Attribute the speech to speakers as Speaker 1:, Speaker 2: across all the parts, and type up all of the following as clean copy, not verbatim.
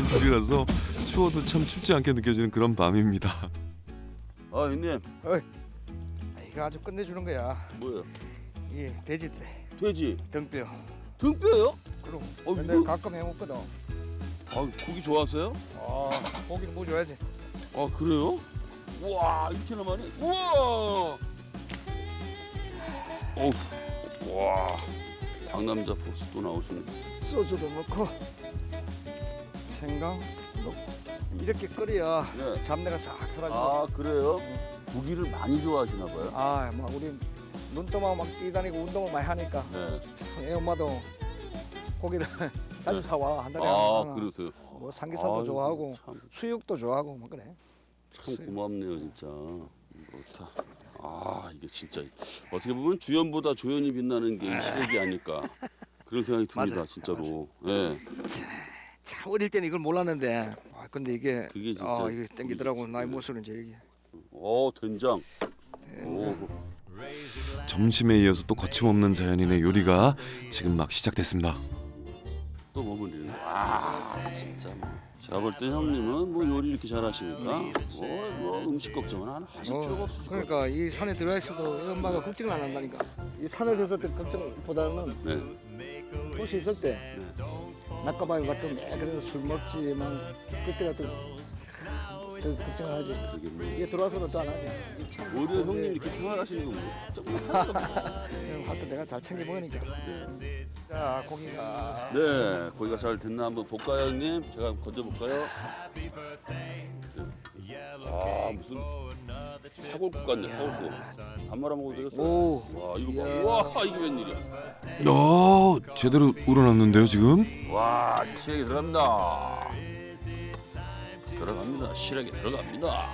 Speaker 1: 계절이라서 추워도 참 춥지 않게 느껴지는 그런 밤입니다.
Speaker 2: 아 형님.
Speaker 3: 이거 아주 끝내주는 거야.
Speaker 2: 뭐야?
Speaker 3: 이 돼지대
Speaker 2: 돼지
Speaker 3: 등뼈.
Speaker 2: 등뼈요?
Speaker 3: 그럼.
Speaker 2: 어,
Speaker 3: 근데
Speaker 2: 이거-
Speaker 3: 가끔 해먹거든.
Speaker 2: 아 고기 좋아하세요?
Speaker 3: 고기는 뭐 줘야지.
Speaker 2: 아 그래요? 우와 이렇게나 많이? 우와. 어우. 와. 상남자 보스 또 나오시네.
Speaker 3: 소주도 넣고 생강 넣고 이렇게 끓여야
Speaker 2: 네.
Speaker 3: 잡내가 싹 사라지고.
Speaker 2: 아 그래요? 고기를 많이 좋아하시나 봐요.
Speaker 3: 막 우리 눈떠만 막 뛰다니고 운동을 많이 하니까
Speaker 2: 네.
Speaker 3: 참 애 엄마도 고기를 자주 사와 한 달에
Speaker 2: 아
Speaker 3: 하나.
Speaker 2: 그러세요.
Speaker 3: 뭐 삼겹살도
Speaker 2: 아유,
Speaker 3: 좋아하고
Speaker 2: 참,
Speaker 3: 수육도 좋아하고 뭐 그래.
Speaker 2: 참 고맙네요 진짜. 좋다. 아 이게 진짜 어떻게 보면 주연보다 조연이 빛나는 게 이 시래기 아닐까 그런 생각이 듭니다.
Speaker 3: 맞아요.
Speaker 2: 진짜로. 예.
Speaker 3: 참 어릴 때는 이걸 몰랐는데 근데 이게
Speaker 2: 그게 진짜
Speaker 3: 이게 땡기더라고. 나이
Speaker 2: 네.
Speaker 3: 먹수는 이제 이게.
Speaker 2: 된장. 오.
Speaker 1: 점심에 이어서 또 거침없는 자연인의 요리가 지금 막 시작됐습니다.
Speaker 2: 또 버무리는. 와 진짜 뭐. 제가 볼 때 형님은 뭐 요리 이렇게 잘하시니까 뭐 음식 걱정은 안 하실 필요가 없으실 것
Speaker 3: 그러니까 이 산에 들어가 있어도 이 엄마가 걱정을 안 한다니까. 이 산에 있을 때 걱정보다는
Speaker 2: 네.
Speaker 3: 도시 있을 때 낮가방에 갔던 그래서 술 먹지만 그때 같은 그 걱정을 하지.
Speaker 2: 그게 뭐.
Speaker 3: 이게 들어와서는 또 안 하지.
Speaker 2: 오히려 형님 이렇게 생활하시는 거
Speaker 3: 하여튼 내가 잘 챙겨 먹으니까. 자 고기가.
Speaker 2: 네, 고기가 잘 됐나 한번 볼까요, 형님? 제가 건져 볼까요? 아 무슨 사골국 같네, 사골국. 안 말아 먹어도 되겠어.
Speaker 3: 오.
Speaker 2: 와 이거 봐.
Speaker 3: 이야.
Speaker 2: 와 이게 웬일이야?
Speaker 1: 제대로 우러났는데요 지금?
Speaker 2: 와 시래기 들어갑니다. 들어갑니다. 시래기 들어갑니다.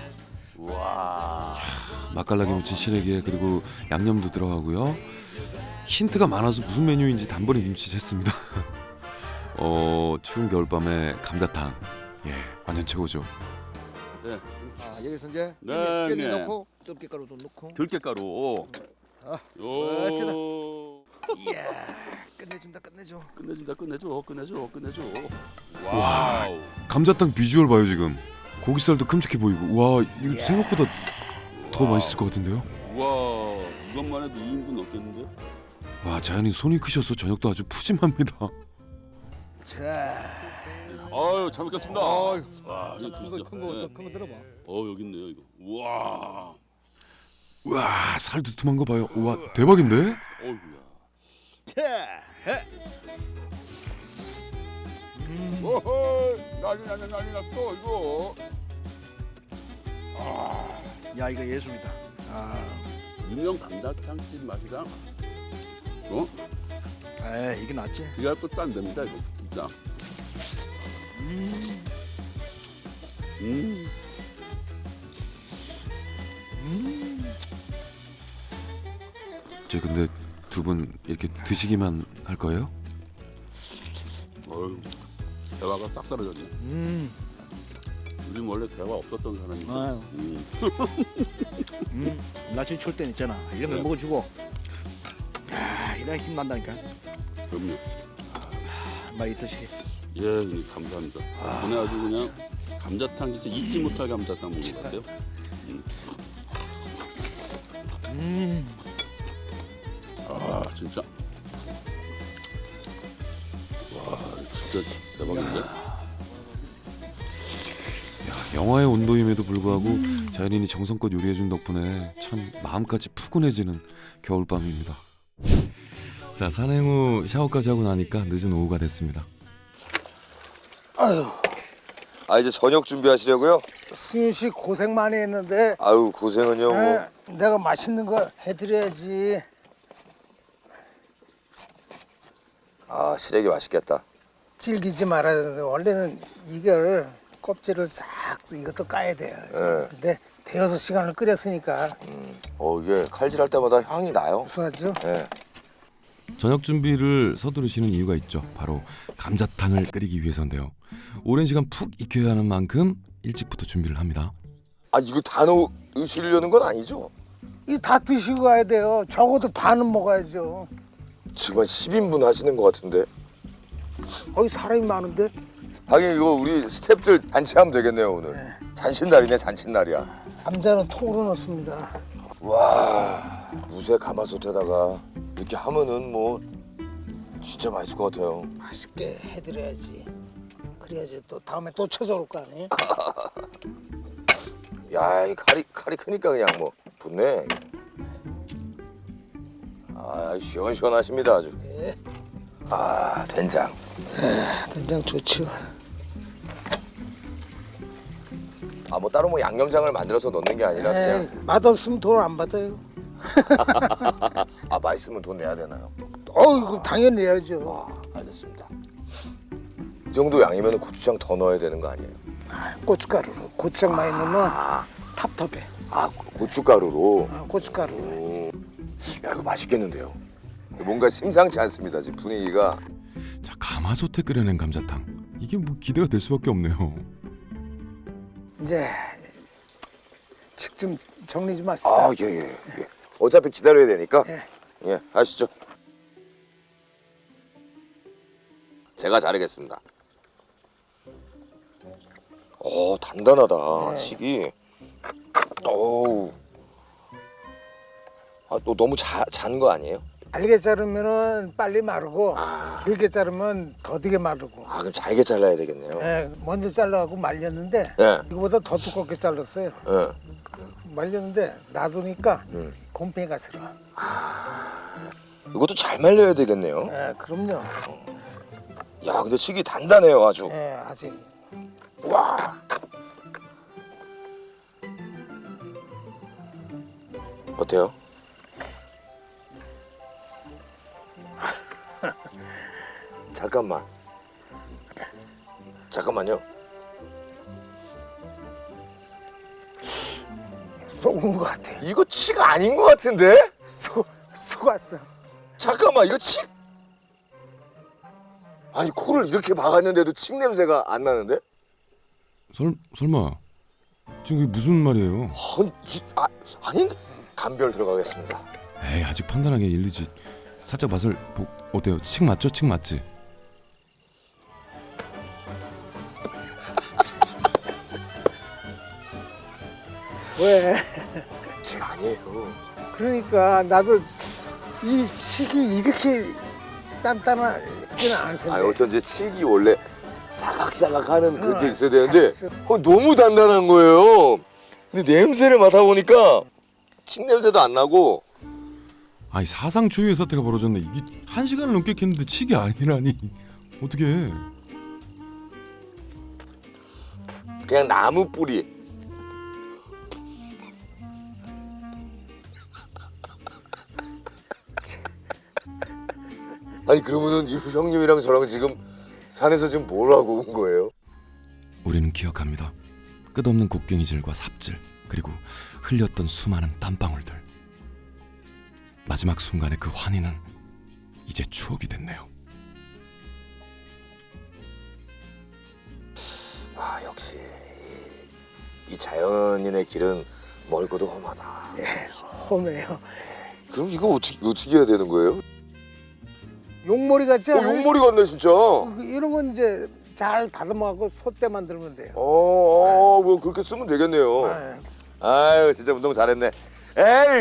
Speaker 2: 와.
Speaker 1: 맛깔나게 무친 시래기에 그리고 양념도 들어가고요. 힌트가 많아서 무슨 메뉴인지 단번에 눈치챘습니다. 추운 겨울밤에 감자탕. 예, 완전 최고죠.
Speaker 2: 네.
Speaker 3: 여기서 이제
Speaker 2: 네,
Speaker 3: 깻잎
Speaker 2: 네.
Speaker 3: 넣고 들깨가루도 넣고.
Speaker 2: 들깨가루.
Speaker 3: 자,
Speaker 2: 요.
Speaker 3: 이야 끝내준다 끝내줘.
Speaker 2: 끝내줘. 와우.
Speaker 1: 감자탕 비주얼 봐요 지금. 고기살도 큼직해 보이고. 와 이거 생각보다 더 맛있을 것 같은데요.
Speaker 2: 와 이것만 해도 2인분 넘겠는데요?
Speaker 1: 와 자연인 손이 크셔서 저녁도 아주 푸짐합니다.
Speaker 3: 자,
Speaker 2: 아유 잘 먹겠습니다.
Speaker 3: 아유.
Speaker 2: 와 이거 드시죠.
Speaker 3: 큰거 들어봐.
Speaker 2: 여기 있네요 이거. 우와.
Speaker 1: 와 살 두툼한 거 봐요. 와 대박인데?
Speaker 2: 어이구야. 오호 난리 났어 이거.
Speaker 3: 야 이거 예술이다.
Speaker 2: 유명 감자탕집 맛이랑
Speaker 3: 이게 낫지.
Speaker 2: 비할 것도 안 됩니다 이거 진짜.
Speaker 1: 저 근데 두 분 이렇게 드시기만 할 거예요?
Speaker 2: 어휴 대화가 싹 사라졌네. 우리 원래 대화 없었던 사람인데.
Speaker 3: 아유. 날씨 추울 땐 있잖아. 이런 거
Speaker 2: 네.
Speaker 3: 먹어주고. 이래 힘 난다니까.
Speaker 2: 그럼요.
Speaker 3: 막 있듯이.
Speaker 2: 예, 형님 감사합니다. 오늘 아주 그냥 감자탕 진짜 잊지 못할 감자탕 먹는 것 같아요. 진짜. 와, 진짜 대박인데.
Speaker 1: 영화의 온도임에도 불구하고 자연인이 정성껏 요리해준 덕분에 참 마음까지 푸근해지는 겨울밤입니다. 자 산행 후 샤워까지 하고 나니까 늦은 오후가 됐습니다.
Speaker 4: 이제 저녁 준비하시려고요?
Speaker 5: 승윤 씨 고생 많이 했는데
Speaker 4: 아유 고생은요 뭐.
Speaker 5: 내가 맛있는 거 해드려야지.
Speaker 4: 시래기 맛있겠다.
Speaker 5: 질기지 말아야 되는데 원래는 이걸 껍질을 싹 이것도 까야 돼요. 근데 데워서 시간을 끓였으니까
Speaker 4: 이게 칼질할 때마다 향이 나요.
Speaker 5: 구수하죠.
Speaker 4: 예.
Speaker 1: 저녁 준비를 서두르시는 이유가 있죠. 바로 감자탕을 끓이기 위해서인데요. 오랜 시간 푹 익혀야 하는 만큼 일찍부터 준비를 합니다.
Speaker 4: 이거 다 넣으시려는 건 아니죠?
Speaker 5: 이 다 드시고 가야 돼요. 적어도 반은 먹어야죠.
Speaker 4: 지금 한 10인분 하시는 것 같은데.
Speaker 5: 사람이 많은데
Speaker 4: 하긴 이거 우리 스탭들 잔치하면 되겠네요 오늘. 잔칫날이네 잔칫날이야.
Speaker 5: 감자는 통으로 넣습니다.
Speaker 4: 와 무쇠 가마솥에다가 이렇게 하면은 뭐 진짜 맛있을 것 같아요.
Speaker 5: 맛있게 해드려야지. 그래야지 또 다음에 또 찾아올 거 아니에요?
Speaker 4: 야 이 칼이 크니까 그냥 뭐 좋네. 아 시원시원하십니다 아주.
Speaker 5: 예.
Speaker 4: 아 된장.
Speaker 5: 된장 좋죠.
Speaker 4: 아 뭐 따로 뭐 양념장을 만들어서 넣는 게 아니라
Speaker 5: 에이,
Speaker 4: 그냥
Speaker 5: 맛없으면 돈 안 받아요.
Speaker 4: 아 맛있으면 돈 내야 되나요?
Speaker 5: 이거 당연히 내야죠.
Speaker 4: 아 알겠습니다. 이 정도 양이면 고추장 더 넣어야 되는 거 아니에요?
Speaker 5: 고춧가루로. 고추장 많이 넣으면 탑탑해.
Speaker 4: 아 고춧가루로.
Speaker 5: 고춧가루.
Speaker 4: 야 이거 맛있겠는데요? 뭔가 심상치 않습니다 지금 분위기가.
Speaker 1: 자, 가마솥에 끓여낸 감자탕. 이게 뭐 기대가 될 수밖에 없네요.
Speaker 5: 이제 칙 좀 정리 좀 합시다.
Speaker 4: 아 예. 어차피 기다려야 되니까.
Speaker 5: 예.
Speaker 4: 예 하시죠. 제가 자르겠습니다. 단단하다 칡이. 어우. 또 너무 잔 거 아니에요?
Speaker 5: 잘게 자르면은 빨리 마르고 길게 자르면 더디게 마르고.
Speaker 4: 그럼 잘게 잘라야 되겠네요.
Speaker 5: 예, 먼저 잘라갖고 말렸는데
Speaker 4: 예.
Speaker 5: 이거보다 더 두껍게 잘랐어요.
Speaker 4: 예.
Speaker 5: 말렸는데 놔두니까 곰팡이가 슬어.
Speaker 4: 이것도 잘 말려야 되겠네요.
Speaker 5: 예, 그럼요.
Speaker 4: 야 근데 칡이 단단해요 아주.
Speaker 5: 예, 아직.
Speaker 4: 와. 어때요? 잠깐만요.
Speaker 5: 속은 것 같아.
Speaker 4: 이거 칡 아닌 것 같은데?
Speaker 5: 속았어.
Speaker 4: 잠깐만 이거 칡? 아니 코를 이렇게 박았는데도 칡 냄새가 안 나는데?
Speaker 1: 설마 지금 이게 무슨 말이에요?
Speaker 4: 아닌데? 감별 들어가겠습니다.
Speaker 1: 에이, 아직 판단하기 일리지. 살짝 맛을 어때요? 칡 맞죠? 칡 맞지?
Speaker 5: 왜?
Speaker 4: 칡 아니에요.
Speaker 5: 그러니까 나도 이 칡이 이렇게 단단하지는 않을 텐데.
Speaker 4: 어쩐지 칡이 원래 사각사각하는 그런 게 있어야
Speaker 5: 싹
Speaker 4: 되는데 너무 단단한 거예요. 근데 냄새를 맡아보니까 칡 냄새도 안 나고.
Speaker 1: 아니, 사상 초유의 사태가 벌어졌네. 이게 1시간을 넘게 캤는데 칡이 아니라니. 어떻게?
Speaker 4: 그냥 나무 뿌리. 아니 그러면은 이 형님이랑 저랑 지금 산에서 지금 뭘 하고 온 거예요?
Speaker 1: 우리는 기억합니다. 끝없는 곡괭이질과 삽질, 그리고 흘렸던 수많은 땀방울들. 마지막 순간의 그 환희는 이제 추억이 됐네요.
Speaker 4: 역시 이 자연인의 길은 멀고도 험하다.
Speaker 5: 험해요.
Speaker 4: 그럼 이거 어떻게 해야 되는 거예요?
Speaker 5: 용머리 같지 않아요?
Speaker 4: 용머리 같네 진짜.
Speaker 5: 이런 건 이제 잘 다듬어갖고 솥대 만들면 돼요.
Speaker 4: 뭐 그렇게 쓰면 되겠네요. 아유 진짜 운동 잘했네. 에이.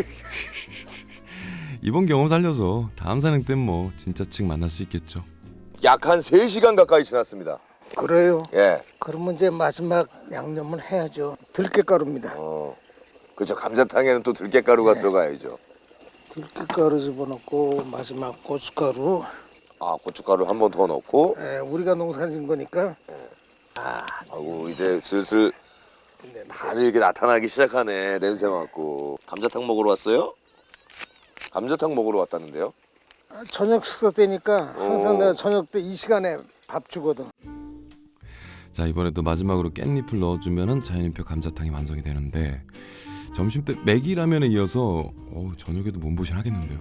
Speaker 1: 이번 경험 살려서 다음 산행 땐 뭐 진짜 칡 만날 수 있겠죠.
Speaker 4: 약 한 3시간 가까이 지났습니다.
Speaker 5: 그래요.
Speaker 4: 예.
Speaker 5: 그러면 이제 마지막 양념은 해야죠. 들깨가루입니다.
Speaker 4: 그렇죠. 감자탕에는 또 들깨가루가 들어가야죠.
Speaker 5: 들깨가루 집어넣고 마지막 고춧가루.
Speaker 4: 고춧가루 한 번 더 넣고.
Speaker 5: 우리가 농사진 거니까.
Speaker 4: 아이고 이제 슬슬 다들 이렇게 나타나기 시작하네. 냄새 맡고. 감자탕 먹으러 왔어요? 감자탕 먹으러 왔다는데요?
Speaker 5: 저녁 식사 때니까 항상 내가 저녁 때 이 시간에 밥 주거든.
Speaker 1: 자, 이번에도 마지막으로 깻잎을 넣어주면은 자연인표 감자탕이 완성이 되는데, 점심 때 매기라면에 이어서 저녁에도 몸보신 하겠는데요.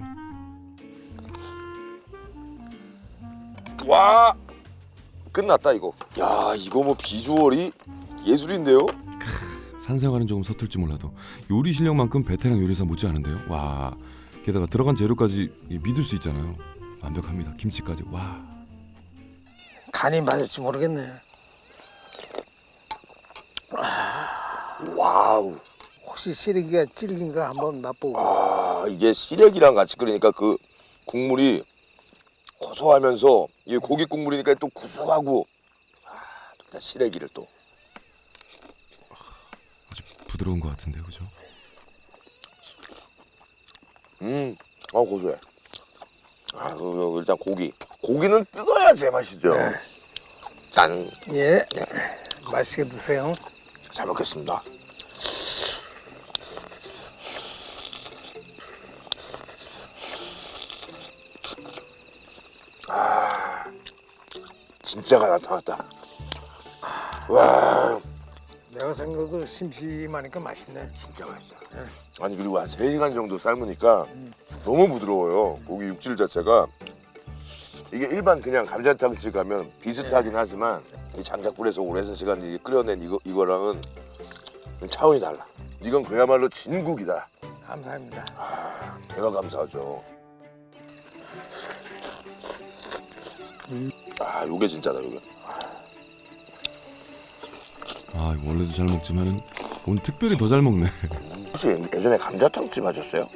Speaker 4: 와 끝났다 이거. 야 이거 뭐 비주얼이 예술인데요?
Speaker 1: 산생활은 조금 서툴지 몰라도 요리 실력만큼 베테랑 요리사 못지 않은데요. 와, 게다가 들어간 재료까지 믿을 수 있잖아요. 완벽합니다. 김치까지. 와.
Speaker 5: 간이 맞을지 모르겠네.
Speaker 4: 와우.
Speaker 5: 혹시 시래기가 질긴가 한번 맛보고.
Speaker 4: 아, 이게 시래기랑 같이 끓이니까 그 국물이 고소하면서 이게 고기 국물이니까 또 구수하고. 또 시래기를 또.
Speaker 1: 아주 부드러운 것 같은데 그죠?
Speaker 4: 고소해. 일단 고기는 뜯어야 제맛이죠. 짠.
Speaker 5: 예. 맛있게 드세요.
Speaker 4: 잘 먹겠습니다. 진짜가 나타났다. 와,
Speaker 5: 내가 생각해도 심심하니까 맛있네.
Speaker 4: 진짜 맛있어. 아니 그리고 한 3시간 정도 삶으니까 너무 부드러워요. 고기 육질 자체가. 이게 일반 그냥 감자탕집 가면 비슷하긴 하지만 이 장작불에서 오랜 시간 이게 끓여낸 이거랑은 좀 차원이 달라. 이건 그야말로 진국이다.
Speaker 5: 감사합니다.
Speaker 4: 내가 감사하죠. 요게 진짜다 요게.
Speaker 1: 아 이거 원래도 잘 먹지만은 오늘 특별히 더 잘 먹네.
Speaker 4: 혹시 예전에 감자탕집 하셨어요?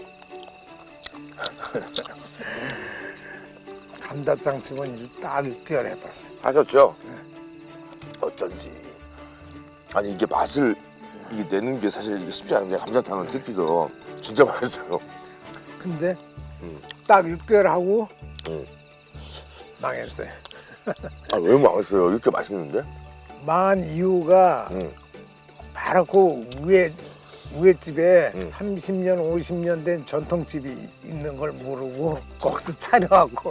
Speaker 5: 감자탕집은 이제 딱 6개월 해봤어요.
Speaker 4: 하셨죠? 어쩐지. 아니 이게 맛을 이게 내는 게 사실 이게 쉽지 않은데 감자탕은 특히도 진짜 맛있어요.
Speaker 5: 근데 딱 6개월 하고
Speaker 4: 응.
Speaker 5: 망했어요.
Speaker 4: 왜 망했어요? 이렇게 맛있는데?
Speaker 5: 망한 이유가
Speaker 4: 응.
Speaker 5: 바로 그 위에 집에
Speaker 4: 응.
Speaker 5: 30년, 50년 된 전통집이 있는 걸 모르고 거기서 차려갖고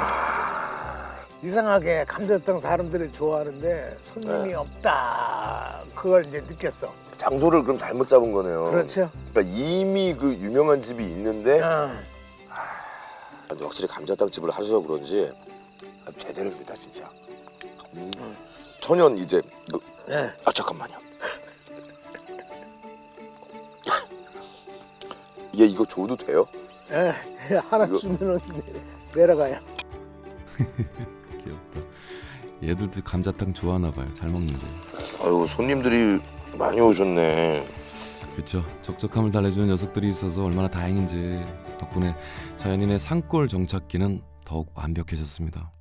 Speaker 5: 이상하게 감자탕 사람들이 좋아하는데 손님이
Speaker 4: 네.
Speaker 5: 없다. 그걸 이제 느꼈어.
Speaker 4: 장소를 그럼 잘못 잡은 거네요.
Speaker 5: 그렇죠?
Speaker 4: 그러니까 이미 그 유명한 집이 있는데
Speaker 5: 어.
Speaker 4: 근데 확실히 감자탕 집을 하셔서 그런지 제대로입니다 진짜. 천연 이제
Speaker 5: 네.
Speaker 4: 잠깐만요. 얘 이거 줘도 돼요?
Speaker 5: 예, 하나
Speaker 4: 이거-
Speaker 5: 주면은 내려가요.
Speaker 1: 귀엽다. 얘들도 감자탕 좋아하나 봐요. 잘 먹는데.
Speaker 4: 아유 손님들이 많이 오셨네.
Speaker 1: 그렇죠. 적적함을 달래주는 녀석들이 있어서 얼마나 다행인지 덕분에 자연인의 산골 정착기는 더욱 완벽해졌습니다.